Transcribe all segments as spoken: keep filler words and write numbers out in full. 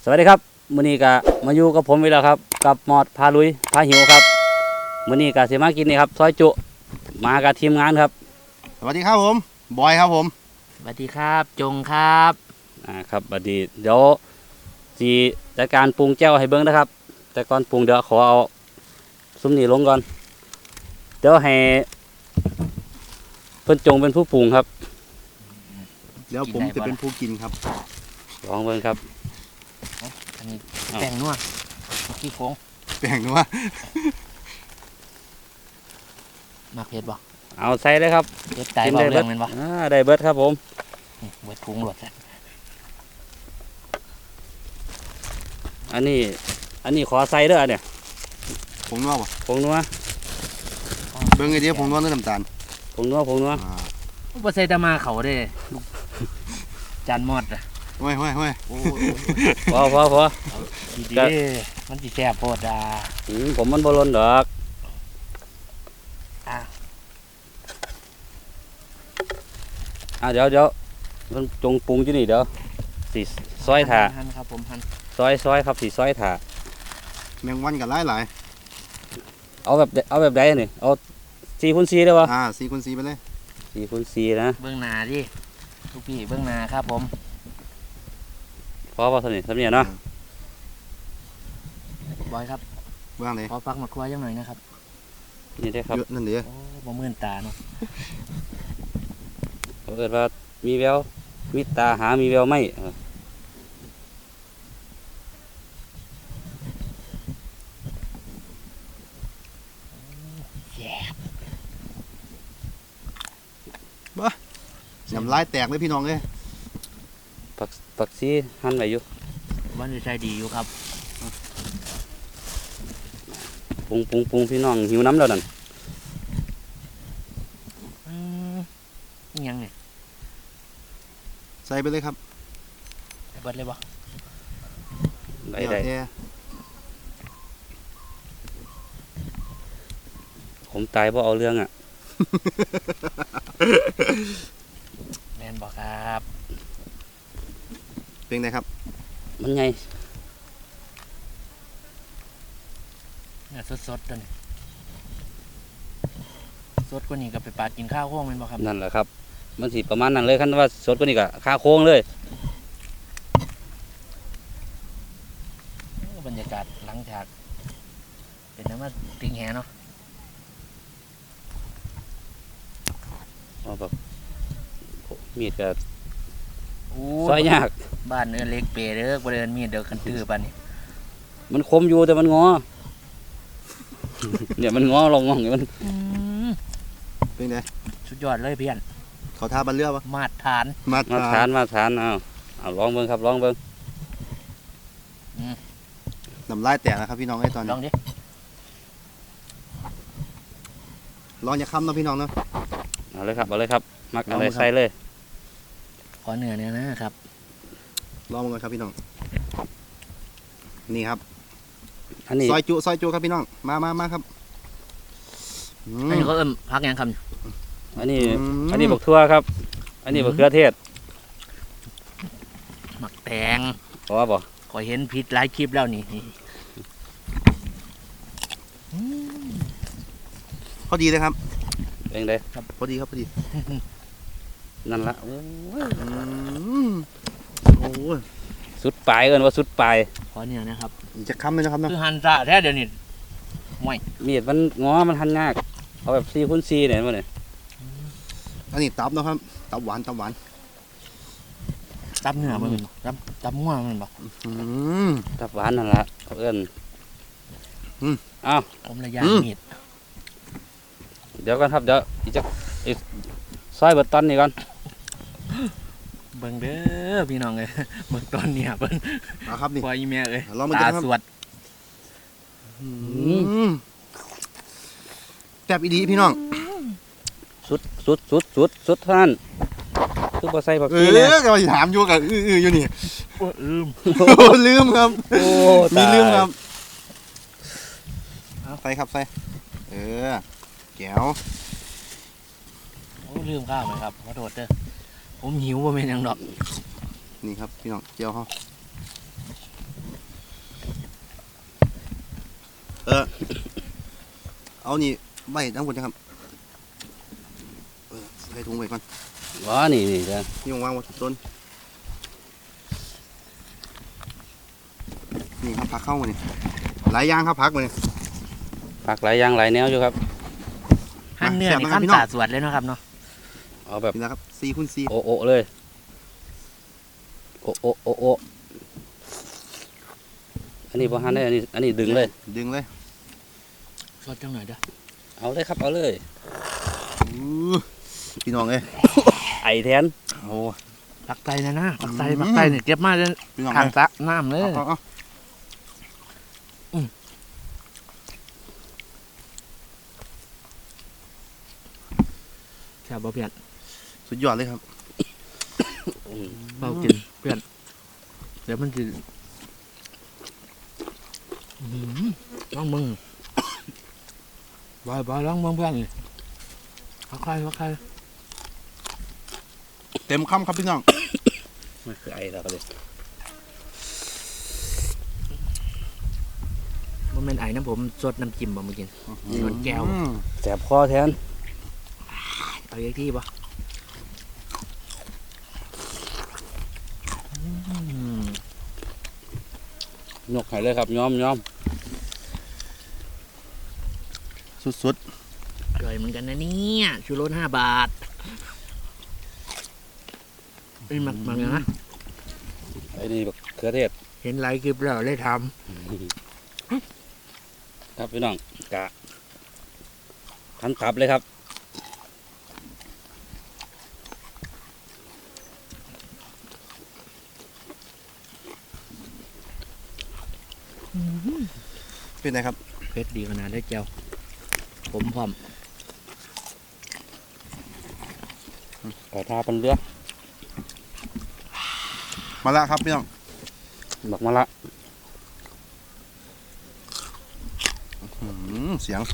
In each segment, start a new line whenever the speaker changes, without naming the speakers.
สวัสดีครับมื้อนี้ก็มาอยู่กับผมอีกแล้วครับกับมอดพาลุยพาหิวครับมื้อนี้ก็สิมากินนี่ครับซอยจุมากับทีมงานครับ
สวัสดีครับผมบอยครับผม
สวัสดีครับจงครับ
อ่าครับบัดนี้เดี๋ยวสิจัดการปรุงแจ่วให้เบิ่งนะครับแต่ก่อนปรุงเดี๋ยวขอเอาซุ้มนี่ลงก่อนเดี๋ยวให้เพิ่นจงเป็นผู้ปรุงครับ
เดี๋ยวผมจะเป็นผู้กินครับ
ลองเบิ่งครับ
อันนี้แป้งนัวขี้โค้ง
แป้งนัว
มาเผ็ดบ่
เอาใส่เลยครับ
เผ็ดตายบ่เรื่องมันบ่
อ่าได้เบิดครับผม
เบิดพุงหลด
อันนี้อันนี้ขอใส่เด้อเนี่ย
ผงนัวป่ะ
ผงนัว
เบิ่งไอเดียผงนัวน้ำตาล
ผงนัวผงนัว
บ่ใส่ตะมาเขาเด้จานมอดอ่ะ
ห้อยห้อยห้อย
พอพอพอ
ดีๆมันสิแซ่บโพดอ่ะ
อืมผมมันบ่ล้นดอก
อ่ะ
อ่ะเดี๋ยวเดี๋ยวมันจงปรุงอยู่นี่เดี๋ยวสิซอยถ่า
หั่นครับผมหั่น
ซอยซอยครับสิซอยถ่า
แมงวันกันหลายหลาย
เอาแบบเอาแบบใดนี่เอาสี่คูณสี่ได้ป่ะ
อ่าสี่คูณสี่ไปเลย
สี่คูณสี่นะ
เบื้องหน้าดิทุกพี่เบื้องหน้าครับผม
พอป่ะท่านนี่ท่านเนี่ยเนาะ
บอยครับ
เบื้องไหน
ขอฟักมาครัวยังหน่อยนะครับ
นี่ได้ครับ
นั่นเดี๋ยว
โอ้บ่มื่นตาเนาะ
เขาเกิดว่ามีแววมีตาหามีแววไหม
บ้าน้ำลายแตกเลยพี่น้องเลย
ผักผักซีหั่นไว้อยู่
วันนี้ใช้ดีอยู่ครับ
ปรุงปรุงปรุงพี่น้องหิวน้ำแล้วนั่น
อืมยังไง
ใส่ไปเลยครับ
เบิดเลยบ่
ได้ได้ผมตายเพราะเอาเรื่องอ่ะ
แม่นบ่ครับ
เป็นไงครับ
มันไง
เนี่ยสดๆตัวนี้สดกว่านี้ก็ไปปาดกินข้าวโค้งแม่นบ่ครับ
นั่นแหละครับมันสิประมาณนั้นเลยคันว่าสดกว่านี้ก็ค่าโค้งเลย
บรรยากาศหลังจากเป็นน้ำมันติงแหเนาะ
อ๋อแบบมีดก็ซอยยาก
บ้านเนื้อเล็กเปรย์เด้อบ่เดินมีดเด้อกันตื้อปานนี้
มันคมอยู่แต่มันงอเนี่ยมันงอลองงองมัน
เป็นไง
สุดยอดเลยเพี้ยน
เขาท่าบันเรือปะ
มาตรฐาน
มาตรฐานมาตรฐานเอาเอาลองเบิ่งครับลองเบิ่ง
น้ำลายแตกนะครับพี่น้องไอ้ตอนนี้
ลองดิ
ลองอย่าค้ำนะพี่น้องเนาะ
เอาเลยครับเอาเลยครับมักอะไรใส่เลย
ขอเนื้อเนี่ยนะครับ
ลองกันครับพี่น้องนี่ครับ
อันนี้
ซอยจุซอยจุครับพี่น้องมามามาครับ
อันนี้ก็เอิ่มพักยังคำ
อันนี้อันนี้บักทั่วครับอันนี้บักเขือเทศ
หมักแตง
เพราะว่าบ่
ขอเห็นพิษหลายคลิปแล้วนี่
พอดีเลยครับ
เองเลย
ครับพอดีครับพอดี
นั่นละ
โอ้ย
สุดปลายเอิ้นว่าสุดปลาย
ขอเนี่ยนะครับ
จะค้ำเลยนะครับนะ
คือหันซะแท้เดี๋ยวนี้ไม่
มีดมันงอมันหันยากเอาแบบสี่คูณสี่เนี่ยมันเนี่ย
อันนี้ตับนะครับตับหวานตับหวาน
ตับเนื้อมันตับตับง่วงมันบอก
ตับหวานนั่นละเอิ้นอ้าว
ผมระยะมีด
เดี๋ยวกันครับเดี๋ยวอีกจะอีกซอยเบิดตอนนี้ก่อน
เบิ่งเด้อพี่น้องเลยเบิ่งตอนนี้เบิ่ง
ครับนี่
ปล่อยแม่เลย
ตา
สวด
แซ่บอีดีพี่น้อง
สุดสุดสุดสุดสุดท่านคือพอใส่ผักชี
เนี่ยก็ถามอยู่กับอื้ออยู่นี่
ลืม
ลืมครับมีลืมครับใส่ครับใส่เออแก้ว
โอ้ลืมข้าวไหมครับขอโทษเด้อผมหิวว่าเป็นยังดอก
นี่ครับพี่น้องเจียวเขาเออเอานี่ใบทั้งหมดนะครับเออใส่ถุงไว้ก่อน
ว้านี่นี่จ้ะ
นี่วางไว้ต้นนี่ครับผักเข้ามานี่หลายอย่างครับผักมานี่
ผักหลายอย่างหลายแนวอยู่ครับ
หั่นเนื้อนี่ขั้นสาดสวดเลยเนาะครับเนาะ
เอาแบบ
นี่นะครับสี่คูณสี่
โอะโอะเลยโอะโอะโอะโอะอันนี้พอหั่นได้อันนี้อันนี้ดึงเลย
ดึงเลย
สดจังหน่อยเด้อ
เอาเลยครับเอาเลย
อู้พี่น้องเอ้ย
ไอแทน
โอ้
ปักไตนะนะปักไต
อืม
ปักไตเนี่ยเก็บมาเลย
พี่น้อง
ทาง
เอ้ย
สระน้ำเลย
เอาเอา
แซ่บบ่เพื่อน
สุดยอดเลยครับ
อืม
เบากินเพื่อนเดี๋ยวมันจะอื้อหือลองมึงบอยบอยลองมึงเพื่อนนี่พักใครพักใคร
เต็มคำครับพี่น้อง
ไม่คือไอแล้วก็เลย
บ่แม่นไอ้น้ำผมสดน้ำจิ้มบ่มากิน นี่มันแก้ว
อืม
แสบคอแทน
เอาอีกที่บ่อืม
ยกให้เลยครับย้อมย้อม
สุด
อร่อยเหมือนกันนะเนี่ยชูรสห้าบาทไอ้ยหมักหมักอย่างนะ
ไอ้นี่บักเขือเทศ
เห็นไลค์คลิปแล้วเลยท
ครับพี่น้องกะทันตับเลยครับ
ำ
เป็นไงครับ
เผ็ดดีขนาดได้เจียวผมพร้อม
ขอทาเป็นเรือ
มาละครับพี่น้อง
บักมะละ
อืมเสียง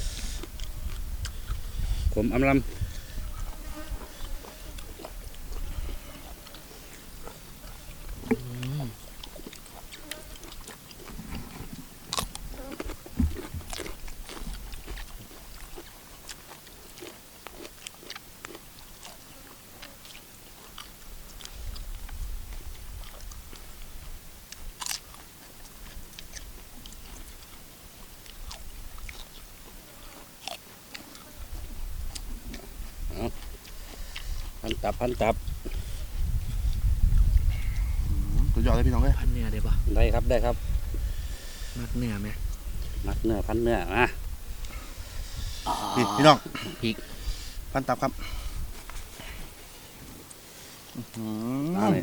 ผมอำลำพันตับพันตับ
อืมสุดยอดเลยพี่น้องเอ้ย
พันเนื้อได้ปะ
ได้ครับได้ครับ
มักเนื้อไหม
มักเนื้อพันเนื้อมา
นี่พี่น้อง
พริก
พันตับครับอื้อหื
เอา
อ
เลย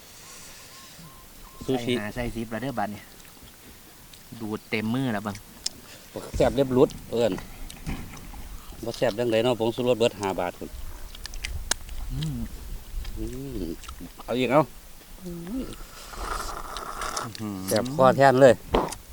ซู
ใส่
ชิ
หาใส่ซิปแล้วเด้อบัดเนี่ยดูดเต็มมือแล้วบัง
แซ่บเรียบรุดเอิ้นบ่แซ่บจังไดเนาะผงชูรสเบิดห้าบาทพุ่น
อืม
อืมเอาอีกเอา
อื้อหือ
แซ่บคอแทนเลย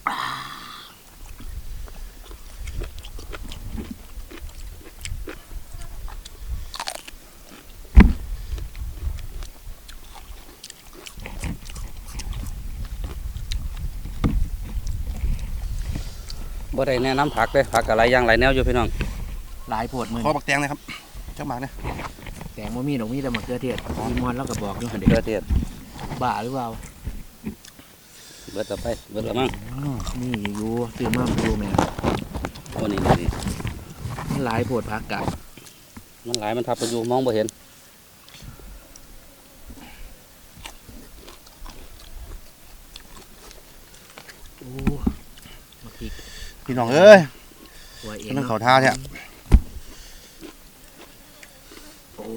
บ่ได้แนะนำผักเลยผักอะไรอย่างไรแนวอยู่พี่น้อง
หลายโพดมือ
ขอบักแตงเลยครับเจ้าหมากเนี่ย
แตงบ่มีดอกมีแต่มะเขือเทศมีมอนแล้วก็บอกอยู่หั่นเด็
เกลือเทศ
บ้าหรือเปล่า
เบิดต่อไปเบิดละมั้ง
นี่อยู่ซื้อมาอยู่แม่
โอ้นี่นี่นี่
มันหลายโพดพักกะ
มันหลายมันทับไปอยู่มองบ่เห็น
โอ้มาพริก
พี่น้องเอ้ย
หัวเอง
นั่ง
เนาะ
เขาท่าเนี่ย
โอ้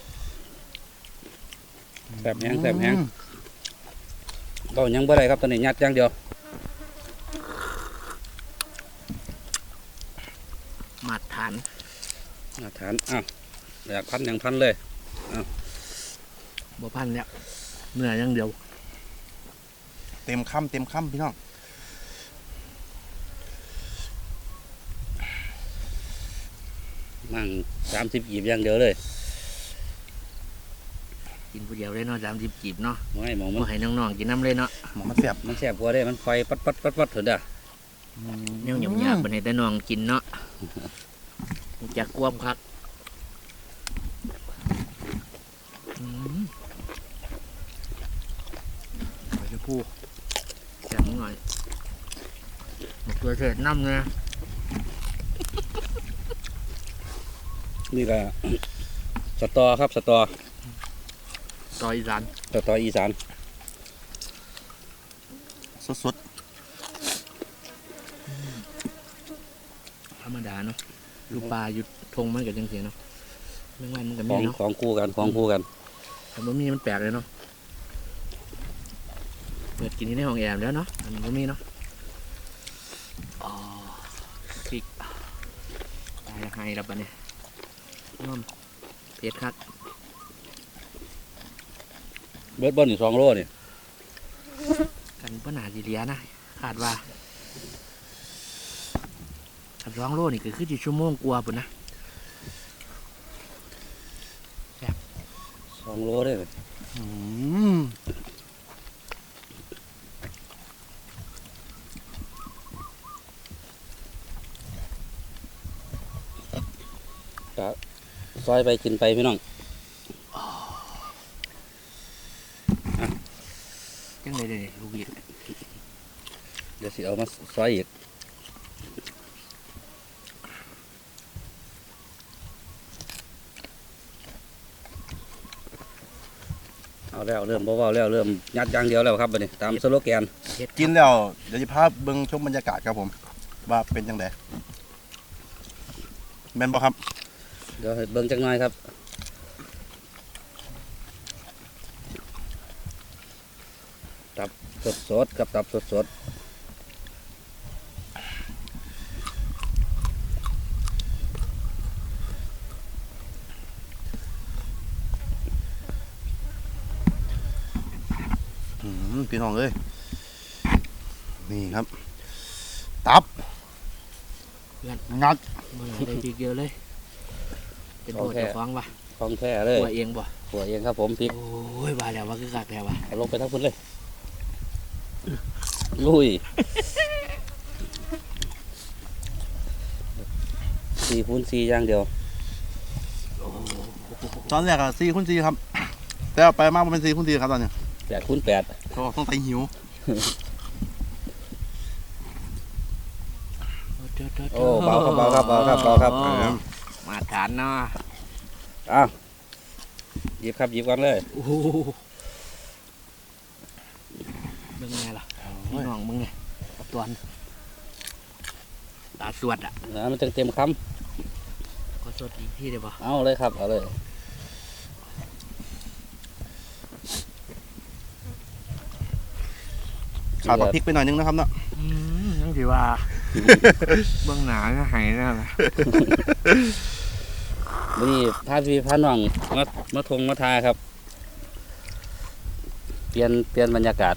แซ่บแห้งแซ่บแห้งเบายังบ่ได้ครับตอนนี้ยัดอย่างเดียว
มาตรฐาน
มาทานอ้าวอยากพันอย่างพันเลย
บ่พันแล้วเนื้ออย่างเดียว
เต็มคำเต็มคำพี่น้อง
มั่งสามสิบกีบอย่างเดียวเลย
กินผู้เดียวเลยเนาะสามสิบกีบเนาะ
ไม่หมองมัน
บ่ให้น้องๆกินน้ำเลยเนาะ
หมอมันเสียบ
มันแซ่บกว่าได้มันไฟปัดปัดปัดปัดเถอะเด้อ
อ
แนวหยาบๆเป็นให้แต่น้องกินเนาะจากกวมคักอืมขอจะพูดแข็งหน่อยหมกตัวเศษน้ำเนี่ย
นี่แหละสตอครับสตอ
ซอยอีสาน
สตออีสาน
สด
ธรรมดาเนาะลูกปลาอยู่ทงมันกับจังเสียเนาะแมงวันมันกับ
ขอ
มี
ง
เนาะ
ของคู่กันของคู่กัน
แต่บะหมี่มันแปลกเลยเนาะเปิดกินที่ในห้องแอร์แล้วเนาะอันนี้บะหมี่เนาะอ๋อพริกตายละไห้แล้วปะเนี่ยน้อมเผ็ดคัก
เบิร์ดบอลอยู่สองโลนี่
กันปัญหาสิเหลียนะขาดว่าขับร้องโลนี่ก็คือจีชั่วโมงกลัวาปุ่นนะ
สองโลได้เลย
ๆอืม
ซอยไปกินไปพี่น้อง
ยังไงเลยลูกบีด
เดี๋ยวสิเอามาซอยอีกเอาแล้วเริ่มเบาๆแล้วเริ่มยัดอย่างเดียวแล้วครับบัดนี้ตามสโลแกน
เผ็ด
กินแล้วเดี๋ยวจะพาเบิ่งชมบรรยากาศครับผม ว่าเป็นจังไดแม่นบ่ครับ
เดี๋ยวให้เบิ่งจักหน่อยครับตับสดๆกับตับสด
อืมพี่น้องเอ้ยนี่ครับ ตับงัด
เมื่อไหร่ได้พริกเยอะเลย เป็นตัวเจ้าของปะ
ๆของแท้เลย
ตัวเองปะ
หัวเองครับผมพริก
โอ้ยว่าแล้วว่าคือกักแล้ววะ
เอาลงไปทั้งพื้นเลยลุยสี่คูณสี่อย่างเดียว
ตอนแรกอะสี่คูณสี่ครับ แต่เอาไปมากมันเป็นสี่คูณสี่ครับตอนเนี้ย
แปดคูณแปด
เพราะว่าต้องใส่หิว
โอ้เบาครับเบาครับเบาครับเบาครับ
อ๋อ
อ่า
มาทานเนาะ
อ้าวหยิบครับหยิบก่อนเลย
โอ้โหมึงไงล่ะพี่น้องมึงไงกับตัวนตาสวดอ่ะ
นะมันเต็มเต็มค
ขอสวดอีกที่ได้ปะ
ำเอาเลยครับเอาเลย
ขาดผักพริกไปหน่อยนึงนะครับเนาะ
อืมยังถือว่า เบื้องหนาจะหายแน่เลย
วันนี้พาพี่พาน้องมามาทงมาทาครับ เปลี่ยนเปลี่ยนบรรยากาศ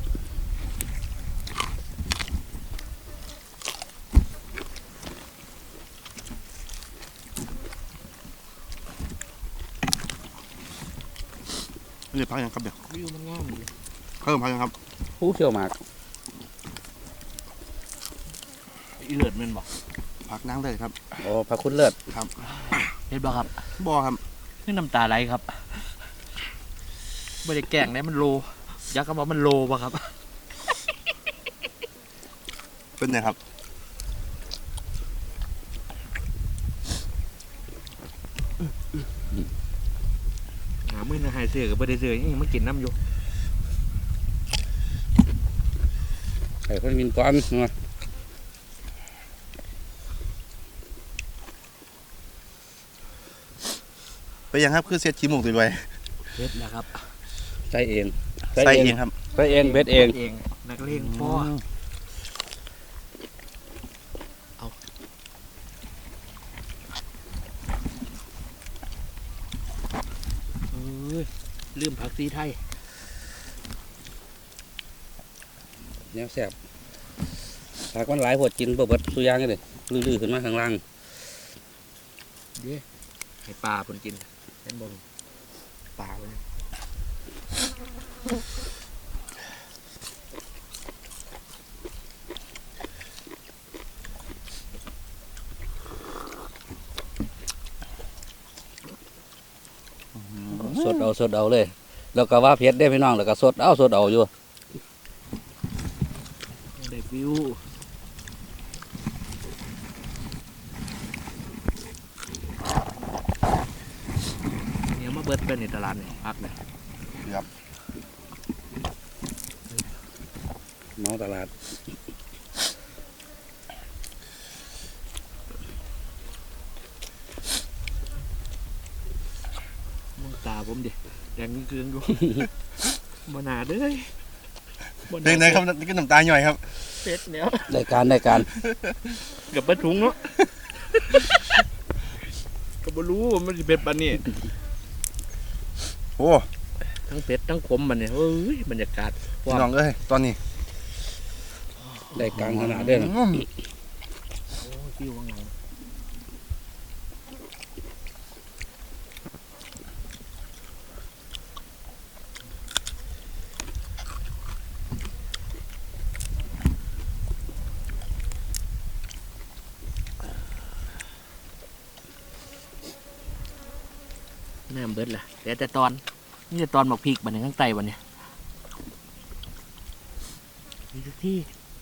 เรียกพักยังครับเดี๋ยว
วิวมันงามดี
เพิ่มพักยังครับ
ผู้เชี่ยวหมาก
อีเลิศแมันบอก
พักนั่งได้ครับ
โอ้พระคุณเลิศ
เห็นบ่ครับ
บ่ครับ
นี่น้ำตาไหลครับไม่ได้แกล้งนะมันโลยักษ์ก็บอกมันโลป่ะครับ
เป็นไงครับ
หามือนะหายเสือกับไม่ได้เสือยังไม่กินน้ำอยู่
ไอ้คนมินก้อนมา
ไปยังครับคือเซตขี้หมูกตัวไว้
เฮ็ดแล้วครับ
ใส่เอง
ใส่เองครับ
ใส่เองเบ็ดเอง
เองนักเลงพ่อเอาเอ้ยลืมผักซีไทย
เนี่ยแซ่บผักมันหลายพวดกินบ่เบิดสุอยางเลยลื้อๆขึ้นมาข้างล่าง
เด้ให้ปลาคนกินเป็นบงปลาเลย
สดเอาสดเอาเลย แล้วก็ว่าเผ็ดได้พี่น้องแล้วก็สดเอาสดเอาอยู่
ได้วิวเนี่ยมาเบิดเป็นในตลาดเนี่ยพักเลย
เมาตลาด
มองตาผมดิแดงเกลืองๆดู บนาเด้ยบ่
เด็กไหนครับนี่ก็น้ำตาหน่อยครับ
เป็ดเนี่ย
ได้การได้การ
กับเบิดถุงเนาะ ก็บ่รู้ว่ามันสิเป็นปานนี้
โอ้
ทั้งเป็ดทั้งขมมันเนี่ยเอ้ยบรรยากาศ
พี่น้องเอ้ยตอนนี้
ได้การขนาดเด้อนะ
อืม
โอ้ยฟิวว่างไงน้ำเบิดล่ะแต่แต่ตอนนี่แต่ตอนหมกพริกบันเนี่ยข้างใต้บันเนี่ยมีทุกที่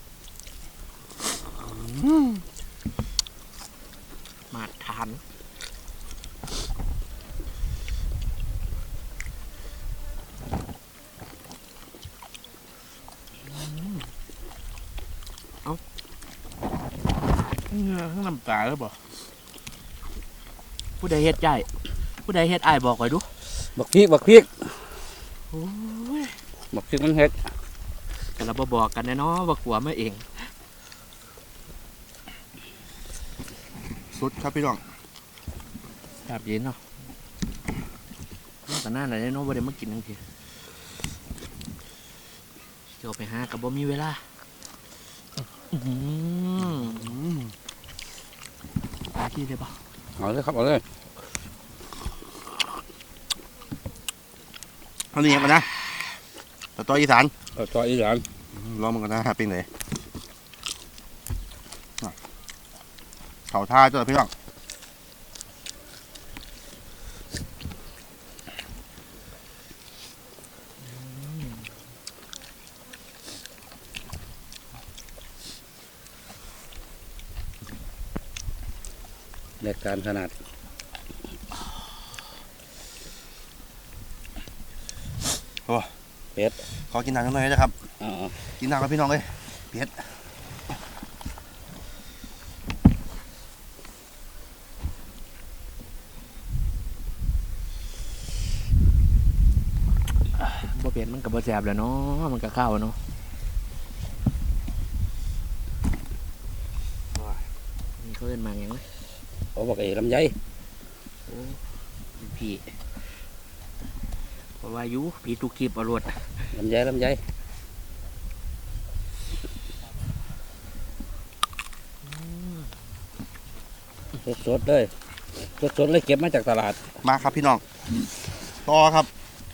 มาทานเอาเงือข้างน้ำตาแล้วบ่ผู้ใดเฮ็ดใจผู้ใดเฮ็ดอ้ายบอกไว้ดู
บักพริกบักพริก
โอ้ย
บักพริกมันเฮ็ด
แต่เราบ่บอกกันแน่เนาะว่ากลัวมาเอง
สุดครับพี่น้อง
แบบเย็นเนาะแต่หน้าไหนเนาะบ่ได้มากินทั้งทีเดี๋ยวไปหากับบ่มีเวลาอื้อหือหาที่ได้ปะ
เอาเลยครับเอาเลย
เท่านี้กันนะต่อต่ออีสาน
เอาต่ออีหลาน
ลองมันกันนะเป็นไงเขาท่าเจ้าพี่น้อง
ได้การขนาด เป็ด
ขอกินน้ำหน่อยนะครับ
อ่า
กินน้ำกับพี่น้องเลยเผ็ด
บ่เปลี่ยนมันกับบ่แสบแหล้วเนาะมันก็ข้าวเนาะนี่เขาเอิ้นมาอย่างไร
เอาบักเอ๋ลำไย
พี่เพราะว่าอยุพี่ทุกคลิปเอารวด
ลำไยลำไยสดๆเลยสดๆเลยเก็บมาจากตลาด
มาครับพี่น้องต่อครับ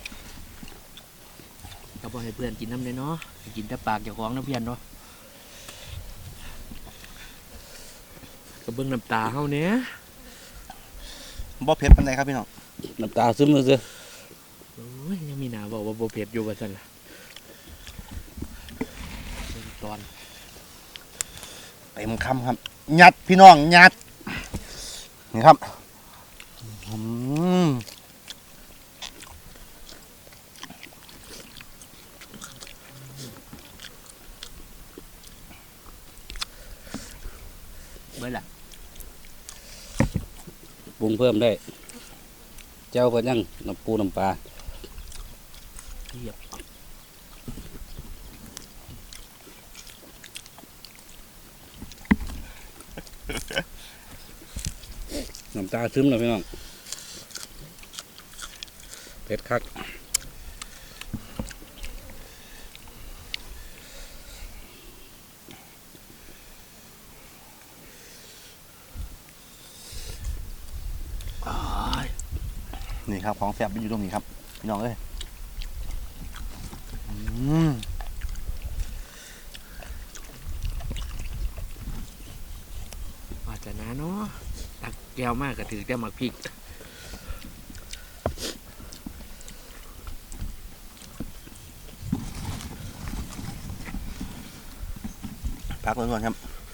ก็บอกให้เพื่อนกินน้ำเลยเนาะกินแต่ปากเจ้าของนะเพื่อนเนาะก็เบิ่งน้ำตาเฮาเนี้ย
บ่เผ็ดปานใดครับพี่น้อง
น้ำตาซึมเลยสิ
โอ้ยยังมีหนาบอกว่าโบเผ็ดอยู่ว่าซั่นล่ะเบิ่งตอน
เต็มคำครับยัดพี่น้องยัดนี่ครับอืม
เบิ่งล่ะ
ปรุงเพิ่มได้เจ้าเพิ่นยังน้ำปูน้ำปลา
เทียบ
น้ำตาซึมเลยพี่น้องเผ็ดคัก
อ้าย
นี่ครับของแซ่บอยู่ตรงนี้ครับพี่น้องเอ้ยอืม
ว่าจะนะเนาะตักแก้วมากก็ถือแต่หมักพริก
พักล้วนๆครับ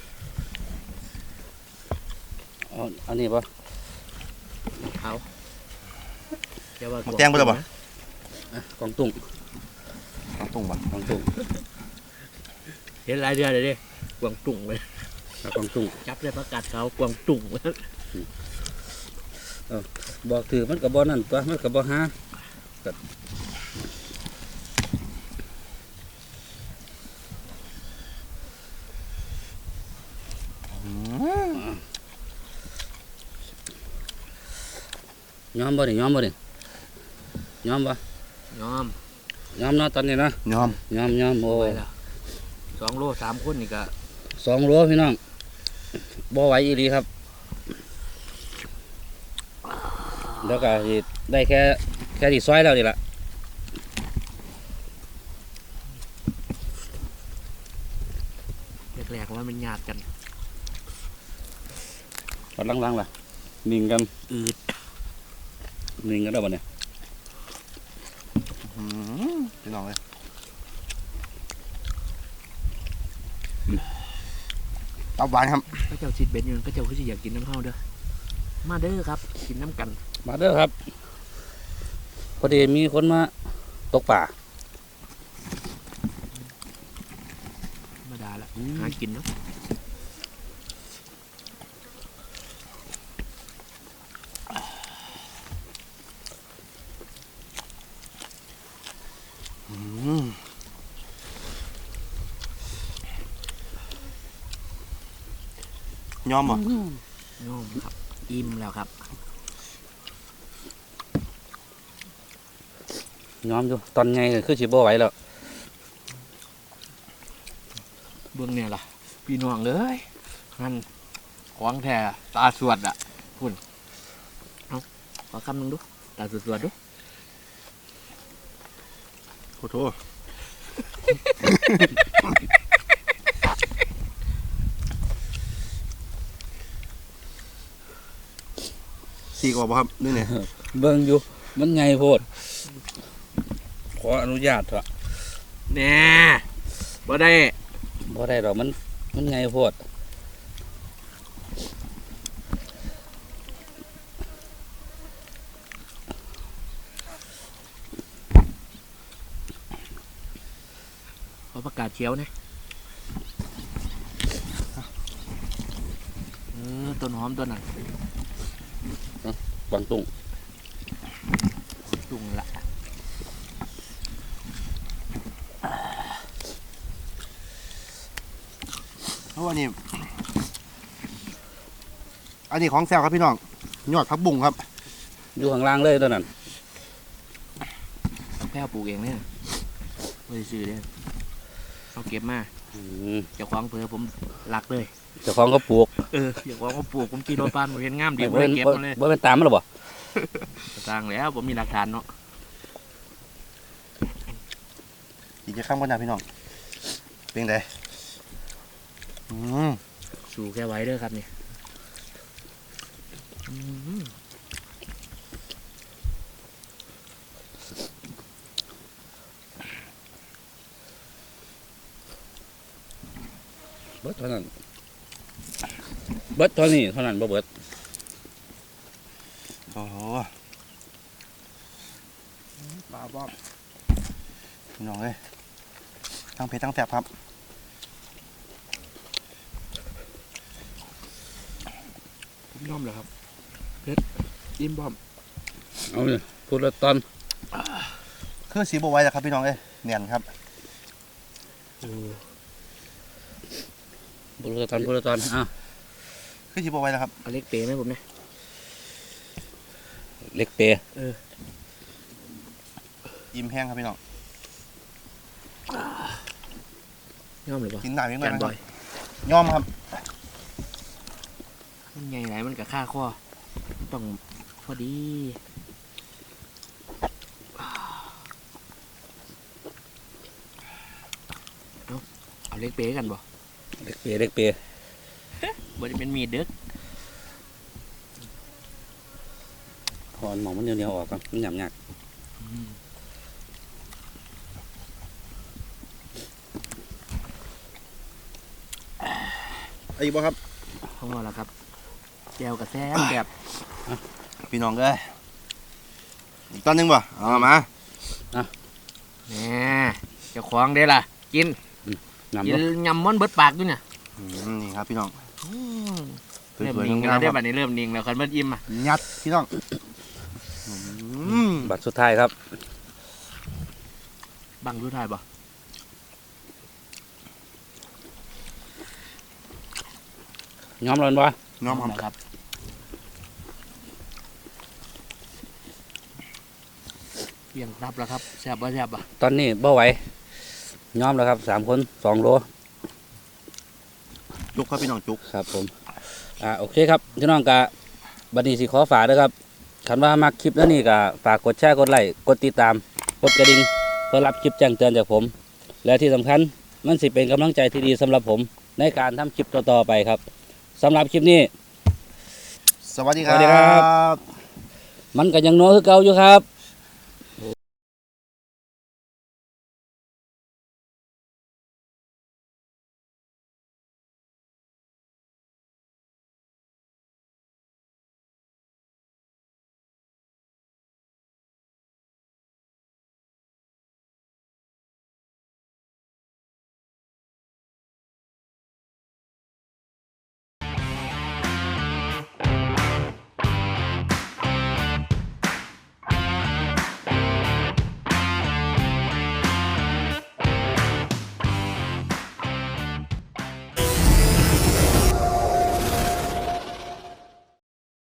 เอาอันนี้ปะ
เอาเดี๋ยวว่า
หมกแกงไปแล้วปะ
อ่ะกองตุ้ง
ต้องตุ้งปะ
กองตุ้ง
เห็นหลายเดือนเลยดิกวางตุ่งเลย
เอากองตุ้ง
จับเลยประกาศเขากวางตุ่ง
บอกถือมันกับบ่นั่นตัวมันกับบ่หา
อืม
ย้อมบ่นี่ย้อมบ่นี่ย้อมบ่
ยอม
ย้อมเนาะตอนนี้นะ
ยอม
ย้อมย้อมโอ้
ไปแล้วสองโลสามคนนี่ก็
สองโลพี่น้องบ่ไหวอีหลีครับแล้วก็สิได้แค่แค่ที่ซอยแล้วนี่ล่ะ
แรกๆว่ามันยากกัน
ตอนหลังๆล่ะนิ่งกัน
อืด
นิ่งกันแล้วบ่เนี่ย
อืมพี่น้องเลยตับหวานครับ
พระเจ้าชิดเบ็ดอยู่พระเจ้าคือสิอยากกินน้ำเฮาเด้อมาเด้อครับกินน้ำกัน
มาเด้อครับพอดีมีคนมาตกป่า
ธรรมดาละหากินเนาะ
อืมยอมบ่
ยอมครับอิ่มแล้วครับ
ย้อมอยู่ตอนไงก็คือสิบ่ไหวแล้ว
เบื้องเนี่ยล่ะพี่น้องเลยนั่นของแท้ตาสวดอ่ะพุ่นเอาขอคำหนึ่งดูตาสวดสวดดู
โอ้โหสี่กว่าบ่ครับนี่เนี่ย
เบิ่งอยู่มันไงโพดขออนุญาตเถอะ
แน่บ่ได้
บ่ได้ดอกมันมันไงโพด
ขอประกาศเชียวนะเออต้นหอมต้นนั้น
กวางตุ้ง
จุ่งละ
เพราะว่านี่อันนี้ของแซวครับพี่น้องยอดพักบุ้งครับ
อยู่ข้างล่างเลยตัวนั้น
แพ้ปลูกเองเนี่ยไม่ได้ซื้อเลยเอาเก็บมา
อืม
เจ้าของเผื่อผมรักเลย
เจ้าของก็ปลูก
เออเจ้าของเขาปลูกผมขี่รถปานผมเห็นงามดีผม
บ่
เล
เป็
ย
น
เก็บ
บ่
มาเลย
บ่เป็นตามมันหรอบ่
สร้างแล้วผมมีหลักฐานเนาะ
อีกจะข้ามกันนะพี่น้องเป็นไงอืม
สู่แค่ไว้เด้อครับเนี่ยอืม
เบิดเท่านั้นเบิดเท่านี้เท่านั้นบ่เบิด
โอ้โหปลาบ้อมพี่น้องเลยทั้งเผ็ดทั้งแซ่บครับ
ผมยอมเลยครับเพชรยิ้มบอม
เอาเลยพูดละตอน
คือสีบัวไว้แล้วครับพี่น้องเอ้ยเนียนครับ
พูดละตอนพูดละตอนอ้าว
คือสีบัวไว้แล้วครับ
เอาเล็กเป๋ไหมผมเนี่ย
เล็กเปย์
อิ่มแห้งครับพี่น้อง
ยอมเลยปะ
กินหนาเพียง
แก
เลย
น
นะ
บ
ครั
อบ ย
ยอมครับ
มันใหญ่ไหนมันกับค่าข้อมันต้องพอดีเอาเอาเล็กเป๋กันบ่
เล็กเปย์เล็กเปย์
บ่ได้เป็นมีดเด้อ
พอหมองมันเหนียวๆออกก่อนมันหยาบหยาบ
อืม
ไอ้บ่ครับ
พอแล้วครับแก้วกับแซ่บแบบ
พี่น้องเอ้ยอีกตอนหนึงบ่เอามา
แหน่เจ้าของเด้ล่ะกิน
น้ำ
กิ
บ่
นยำม้อนเบิดปากด้วยเนี่ย
อืมนี่ครับพี่น้อง
อืม
ส
เริ่ม
วย
นิ่ง
ๆ
กัน
งา
แล้ว
มๆครับ
ได้บัดนี้เริ่มนิ่งแล้วคันเบิดอิ่มอ่ะ
ยัดพี่น้องอืม
บัตรสุดท้ายครับ
บังรู้ทายบ่
ย้อมร้อนบ่
น้องครับ
นะครับเพียงรับแล้วครับแซ่บบ่แซ่บบ่
ตอนนี้บ่ไหวย้อมแล้วครับสามคนสองโล
จุกครับพี่น้องจุก
ครับผมอ่าโอเคครับพี่น้องกะบัดนี้สิขอฝากด้วยครับคันว่ามักคลิปแล้วนี่ก็ฝากกดแชร์กดไลค์กดติดตามกดกระดิ่งเพื่อรับคลิปแจ้งเตือนจากผม และที่สำคัญมันสิเป็นกำลังใจที่ดีสำหรับผมในการทำคลิปต่อๆไปครับสำหรับคลิปนี้
สวัสดีค
สวัสดีครั
รับ
มันก็ยังโน้คือเก่าอยู่ครับ